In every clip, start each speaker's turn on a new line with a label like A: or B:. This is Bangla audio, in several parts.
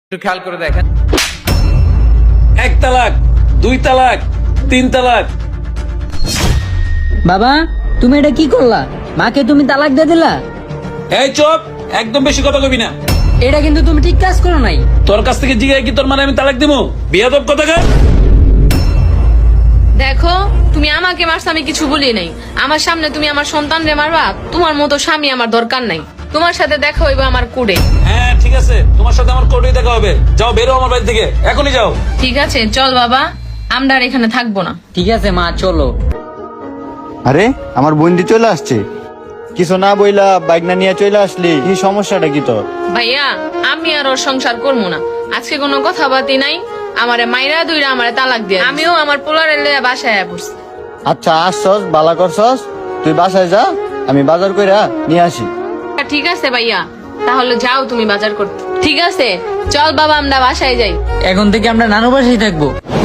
A: একটু খেয়াল করে দেখেন।
B: 1 তালাক, 2 তালাক, 3 তালাক।
C: বাবা, তুমি এটা কি করলা? মাকে তুমি তালাক দিয়ে দিলা।
B: এই চুপ, একদম বেশি কথা কবি না।
C: এটা কিন্তু তুমি ঠিক কাজ করো নাই।
B: তোর কাছ থেকে জিগাই কি তোর মানে আমি তালাক দিমু? বিয়াদব কথাকার।
D: দেখো, তুমি আমাকে মারছো, আমি কিছু বলি নাই। আমার সামনে তুমি আমার সন্তানরে মারবা? তোমার মতো স্বামী আমার দরকার নাই। তোমার সাথে দেখা হইবে আমার কোর্টে।
B: হ্যাঁ ঠিক আছে, তোমার সাথে আমার কোর্টেই দেখা হবে। যাও, বেরো আমার বাড়ি থেকে, এখনই যাও।
D: ঠিক আছে, চল বাবা, আমরা আর এখানে থাকবো না।
C: ঠিক আছে মা, চলো।
E: আরে আমার বন্দি চলে আসছে, কিছু না বইলা বাইক না নিয়ে চলে আসলি, কি সমস্যাটা কি তোর?
D: ভাইয়া, আমি আর ওর সংসার করবো না। আজকে কোনো কথাবার্তি নাই। আমারে মাইরা দুইরা আমারে তালাক দিয়ে আমিও আমার পোলারে লইয়া বাসায় আয়া পড়ছি।
E: আচ্ছা আসছস, বালা করছস, তুই বাসায় যা, আমি বাজার কইরা নিয়ে আসি।
D: ঠিক আছে ভাইয়া, তাহলে যাও তুমি বাজার করতে। ঠিক আছে, চল বাবা, আমরা বাসায় যাই।
C: এখন থেকে আমরা নানু বাসায় থাকবো।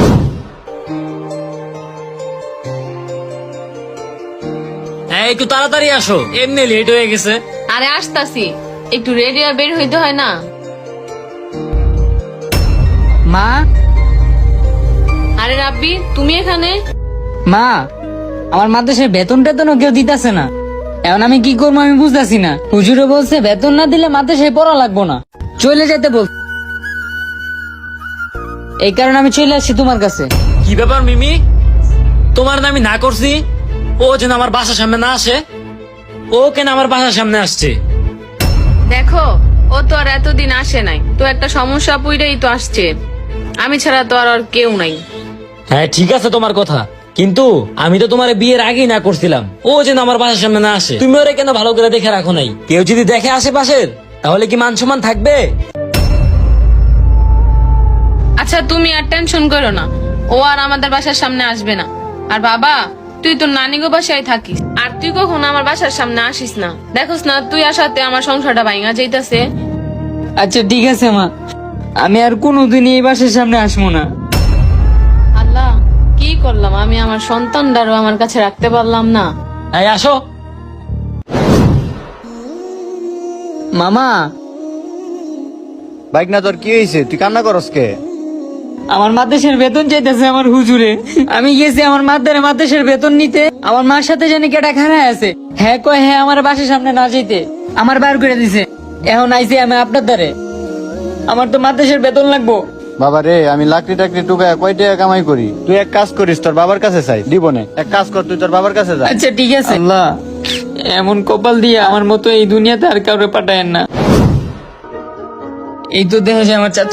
F: হ্যাঁ, একটু তাড়াতাড়ি আসো, এমনি লেট হয়ে গেছে।
D: আরে আসতাছি, একটু রেডি আর বের হইতে হয় না?
C: মা,
D: আরে রাব্বি, তুমি এখানে?
C: মা, আমার মাদ্রাসার বেতন টেতনও কেউ দিতেছে না। এখন আমি কি করবো আমি বুঝতেছি না। হুজুরে বলছে বেতন না দিলে মাদ্রাসায় পড়া লাগবো না, চলে যেতে বল। এই কারণে আমি চলে আসছি তোমার কাছে।
F: কি ব্যাপার মিমি, তোমার না আমি না করছি? ও যেন আমার বাসার সামনে না আসে। ও কেন আমার বাসার সামনে আসছে?
D: দেখো, ও তো আর এতদিন আসে নাই, তো একটা সমস্যা পুইরাই তো আসছে। আমি ছাড়া তো আর ওর কেউ নাই।
F: হ্যাঁ ঠিক আছে তোমার কথা, কিন্তু আমি তো তোমার বিয়ের আগেই না করছিলাম। ও যেন আমার বাসার সামনে না আসে। তুমি ওরে কেন ভালো করে দেখে রাখো নাই? কেউ যদি দেখে আশেপাশের, তাহলে কি মান সম্মান থাকবে?
D: আচ্ছা, তুমি আর টেনশন করো না, ও আর আমাদের বাসার সামনে আসবে না। আর বাবা, তুই তো নানিগো বাসায় থাকিস, আর তুই কখনো আমার বাসার সামনে আসিস না। দেখোস না, তুই আসাতে আমার সংসারটা ভাঙা যাইতাছে।
C: আচ্ছা ঠিক আছে মা, আমি আর কোনোদিন এই বাসার সামনে আসবো না।
D: আল্লাহ, কি করলাম আমি? আমার সন্তানটারও আমার কাছে রাখতে পারলাম না।
F: এই আসো।
C: মামা,
E: বাইক না তোর কি হয়েছে, তুই কান্না করস কে?
C: আমার মাদ্রাসার বেতন চাইতেছে আমার হুজুরে। আমি গেছি আমার মাদ্রাসার বেতন নিতে, আমার মার সাথে জানি কেটা খারাপ আছে। হ্যাঁ কয় হ্যাঁ আমার বাসার সামনে না যেতে, আমার বার করে দিছে। এখন আইছি আমি আপনার দ্বারে, আমার তো মাদ্রাসার বেতন লাগবো।
E: বাবা রে, আমি লাকড়ি টাকড়ি টুকায় কয় টাকা কামাই করি, তুই এক কাজ করিস, তোর বাবার কাছে চাই, দিব না। এক কাজ কর, তুই তোর বাবার কাছে যা।
C: আচ্ছা ঠিক আছে। আল্লাহ, এমন কপাল দিয়ে আমার মতো এই দুনিয়াতে আর কাউরে পাঠায়েন না। এই তো দেখা যায় আমার চাচা